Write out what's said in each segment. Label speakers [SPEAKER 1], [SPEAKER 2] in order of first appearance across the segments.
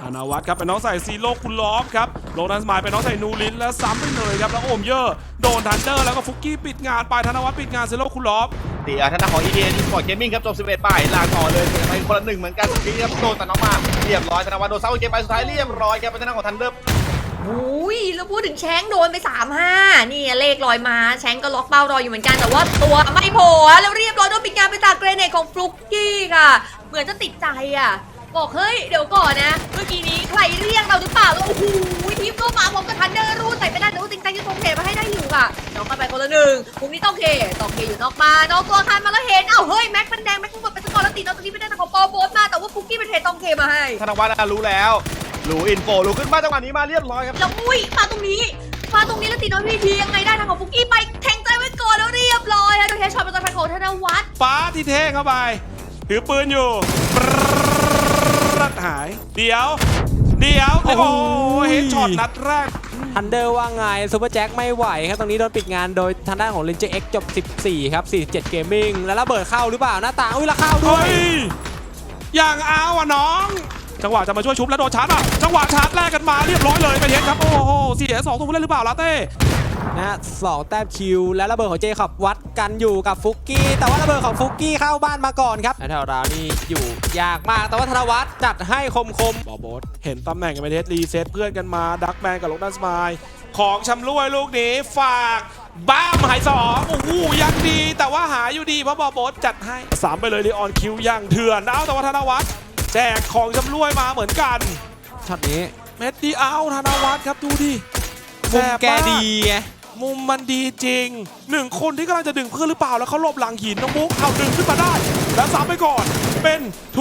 [SPEAKER 1] ธนวัฒน์ครับเป็นน้องใส่ซีโร่คุณล้อมครับโลนัสมายเป็นน้องใส่นูรินแล้วซ้ำไปเลยครับแล้วโอมเยอร์โดนทันเดอร์แล้วก็ฟุกกี้ปิดงานไปธนวัฒน์ปิดงานซีโร่คุณล้อม
[SPEAKER 2] ทางด้านของ EDA Esports Gaming ครับจบ11 ป้ายลาต่อเลยไปคนละ1เหมือนกันทีครับโดนตัดออกมาเรียบร้อยธนวัฒน์โดนเซาเกมไปสุดท้ายเรียบร้อยครับเป็นทางด้านของทันเดอร์
[SPEAKER 3] อุ้ยแล้วพูดถึงแชงโดนไป 3-5นี่เลขลอยมาแชงก็ล็อกเป้ารออยู่เหมือนกันแต่ว่าตัวไม่โผล่แล้วเรียบร้อยโดนปิดงานไปจากเกรเนตของฟลุกกี้ค่ะเหมือนจะติดใจอ่ะบอกเฮ้ยเดี๋ยวก่อนนะเมื่อกี้นี้ใครเรียกเราหรือเปล่าแล้วโอ้โหทีมก็มาพร้อมกับทันเดอร์รูดใส่ไปได้แต่ว่าติงใจจะตรงเขตมาให้ได้อยู่ค่ะน้องกันไปคนละ1มุมนี้ต้องเคอยู่นอกมาน้องตัวคันมาแล้วเห็นเฮ้ยแม็กมันแดงแม็กทั้งหมดเป็นสกอร์แล้วตีน้องตัวนี้ไม่ได้แต่ของปอโบสมาแต่ว่าฟุกกี้เป็นเทต้องเคมาให้
[SPEAKER 2] ธนวัฒน์รู้แล้วรู้อินโฟรู้ขึ้นมาจังหวะนี้มาเรียบร้อยครับ
[SPEAKER 3] แล้วอุ้ยมาตรงนี้แล้วตีน้องพีทียังไงได้ทางของฟุกกี้ไปแทงใจไว้ก่อนแล้วเรียบร้อยแล้วโดนเฮดช็อตเป็นตัวพันของธนวัฒน์
[SPEAKER 1] ฟ้าที่เท่เข้าไปถือปืนอยู่รัดหายเดี๋ยวโอ้โหเฮดช็อตนัดแรก
[SPEAKER 4] ทันเดอร์ว่าไงซูเปอร์แจ็คไม่ไหวครับตรงนี้โดนปิดงานโดยทางด้านของเลนเจอร์เอ็กจบ14ครับ47เกมมิ่งแล้วระเบิดเข้าหรือเปล่าหน้าต่างแล้วเข้าด้วย
[SPEAKER 1] อย่างเอาอ่ะน้องจังหวะจะมาช่วยชุบแล้วโดนชาร์จอ่ะจังหวะชาร์จแรกกันมาเรียบร้อยเลยไปเห็นครับโอ้โหเสีย2ตัวผู้เล่นหรือเปล่าลาเต้
[SPEAKER 4] นะ2แต้มคิวและระเบิดของเจคอบวัดกันอยู่กับฟุกกี้แต่ว่าระเบิดของฟุกกี้เข้าบ้านมาก่อนครับแถวราวนี่อยู่ยากมากแต่ว่าธนวัฒน์จัดให้คม
[SPEAKER 1] บอโบสเห็นตำแหน่งกันไปเทสรีเซ็ตเพื่อนกันมาดักแมนกับลูกนัสมายของชำร่วยลูกนี้ฝากบ้ามหาย2โอ้โหยังดีแต่ว่าหายอยู่ดีเพราะบอโบสจัดให้3ไปเลยลีออนคิวยังเถื่อนแต่ว่าธนวัฒน์แจกของชำร่วยมาเหมือนกัน
[SPEAKER 4] ช็อตนี้
[SPEAKER 1] เม็ดดีเอาธนวัฒน์ครับดูดิ
[SPEAKER 4] มุมแกดีไง
[SPEAKER 1] มุมมันดีจริง1คนที่กำลังจะดึงเพื่อนหรือเปล่าแล้วเขาหลบหลังหินน้องบุ๊กเอาดึงขึ้นมาได้แล้วซ้ำไปก่อนเป็น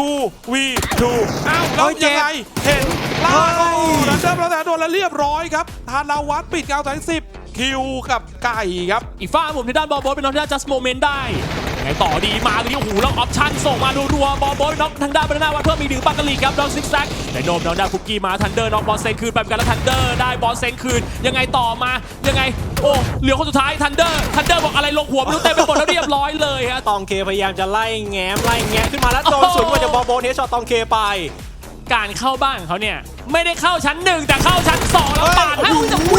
[SPEAKER 1] 2v2 แล้วยังไงเห็นล่าโอ้แล้วเดิมแล้วแต่โดนแล้วเรียบร้อยครับธนวัฒน์ปิดเกาถึง10คิวกับไก่ครับ
[SPEAKER 5] อีกฝ้าผมที่ด้านบอลโบสเป็นน้องที่ด้าน just moment ได้ไงต่อดีมาตรงนี้โอ้โหแล้วออปชั่นส่งมารัวๆบอลโบสน็อกทางด้านบรรณาวัฒน์เพิ่มมีดึงบังกะลีครับดอกซิกแซกแต่โนมน้องได้ฟุกกี้มาทันเดอร์น็อกบอลเซนคืนไปเหมือนกันแล้วทันเดอร์ได้บอลเซนคืนยังไงต่อมายังไงโอ้เหลือคนสุดท้ายทันเดอร์บอกอะไรลงหัวไม่รู้เต็มไปหมดแล้วเรียบร้อยเลยฮะ
[SPEAKER 4] ตองเคพยายามจะไล่แง้ขึ้นมาแล้วโดนสวนมาจากบอลโบสเฮดช็อตตองเคไป
[SPEAKER 5] การเข้าบ้านของเขาเนี่ยไม่ได้เข้าชั้น1แต่เข้าชั้น2แล้วปาดให้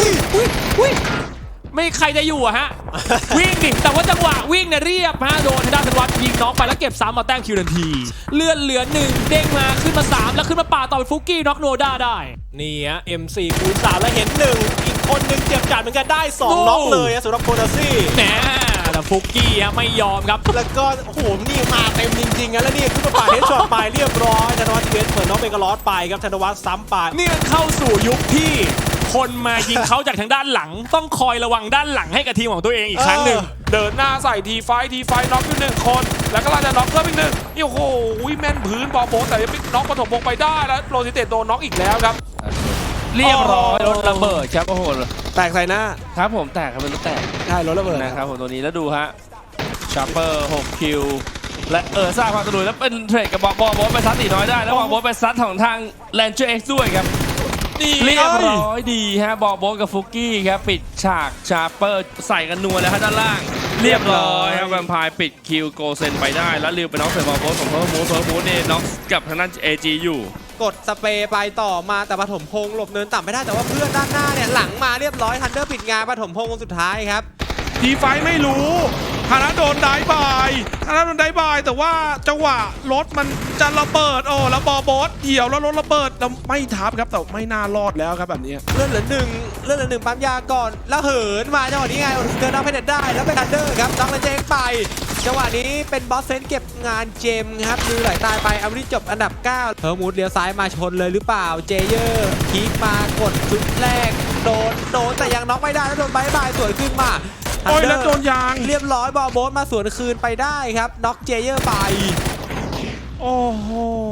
[SPEAKER 5] ไม่ใครจะอยู่อะฮะวิ่งดิแต่ว่าจังหวะวิ่งเนี่ยเรียบฮะโดนด้านธนวัฒน์ยิงน้องไปแล้วเก็บ3มาแต้มคิวทันทีเลื่อนเหลือ1เด้งมาขึ้นมา3แล้วขึ้นมาป่าต่อเป็นฟุกกี้น็อกโนด้าได้
[SPEAKER 4] นี่ฮะ M4 คูณ3แล้วเห็น1อีกคนนึงเจ็บจัดเหมือนกันได้2น็อกเลยสำหรับโคนาซี่
[SPEAKER 5] แหมแต่ฟุกกี้ไม่ยอมครับ
[SPEAKER 4] แล้วก็โอ้โหนี่มาเต็มจริงๆแล้วนี่ขึ้นมาป่าเฮดช็อตไปเรียบร้อยธนวัฒน์เวสเหมือนน้องเบเกอร์ลอสไปครับธนวัฒน์ซ้ำไป
[SPEAKER 5] นี่เข้าสู่ยุคที่คนมายิงเขาจากทางด้านหลังต้องคอยระวังด้านหลังให้กับทีมของตัวเองอีกครั้งหนึ่ง
[SPEAKER 1] เดินหน้าใส่ทีไฟน็อกอยู่1คนแล้วก็เราจะน็อกเพิ่มอีก1นี่โอ้โหแม่นพื้นบอลโบแต่ยังไม่น็อกปฐมพงไปได้แล้วโรซิเตโดนน็อกอีกแล้วครับ
[SPEAKER 5] เรียบร้อยรถระเบิดครับโอ้โห
[SPEAKER 1] แตกใส่หน้า
[SPEAKER 5] ครับผมแตกครับเป็นรถแตก
[SPEAKER 1] ใช่รถระเบิด
[SPEAKER 5] นะครับผมตัวนี้แล้วดูฮะชาร์เปอร์6คิวและสร้างความสนุกแล้วเป็นเทรดกับบอลโบไปซัดตีน้อยได้แล้วบอลโบไปซัดของทางแลนเจอร์เอ็กซ์ด้วยครับเรียบร้อยดีฮะบอลโบกับฟุกกี้ครับปิดฉากชาร์เปอร์ใส่กันนัวแล้วฮะด้านล่างเรียบร้อยครับแวมไพร์ปิดคิวโกเซนไปได้แล้วลืมไปน็อกใส่บอลโบของเพิ่มมูเนี่ยน็อกกับทางด้านเอจีอยู่
[SPEAKER 4] กดสเปรย์ไปต่อมาแต่ปฐมพงษ์หลบเนินต่ำไม่ได้แต่ว่าเพื่อนด้านหน้าเนี่ยหลังมาเรียบร้อยทันเดอร์ปิดงานปฐมพงษ์คนสุดท้ายครับ
[SPEAKER 1] ทีไฟไม่รู้ธนาโดนได้บายแต่ว่าจังหวะรถมันจะระเบิดแล้วบอโบสเดี่ยวแล้วรถระเบิดแล้วไม่ทับครับแต่ไม่น่ารอดแล้วครับแบบนี้
[SPEAKER 4] เลื่อนเหลือ1ปั๊มยาก่อนแล้วเหินมาจังหวะนี้ไงเดินเอาไปเด็ดได้แล้วเป็นทันเดอร์ครับน้องเลยเจงไปจังหวะนี้เป็นบอสเซนเก็บงานเจมครับมือไหลตายไปอาริจบอันดับ9เฮอร์มูดเลี้ยวซ้ายมาชนเลยหรือเปล่าเจเยอร์คีกมากดชุดแรกโดนแต่ยังน็อกไม่ได้แล้วโดนบายสวยขึ้นมา
[SPEAKER 1] แล้วโดนยาง
[SPEAKER 4] เรียบร้อยบอลโบสมาสวนคืนไปได้ครับน็อกเจเยอร์ไป
[SPEAKER 1] โอ้โห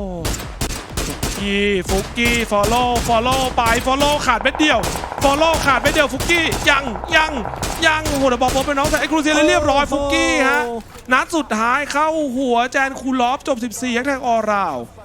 [SPEAKER 1] ฟุกกี้ฟอลโล่ไปฟอลโล่ขาดเม็ดเดียวฟุกกี้ยังโอ้โหแต่บอลโบสเป็นน้องแต่ไอ้ครูเซียเรียบร้อยฟุกกี้ฮะนัดสุดท้ายเข้าหัวแจนคูลอฟจบ14แท็กออราว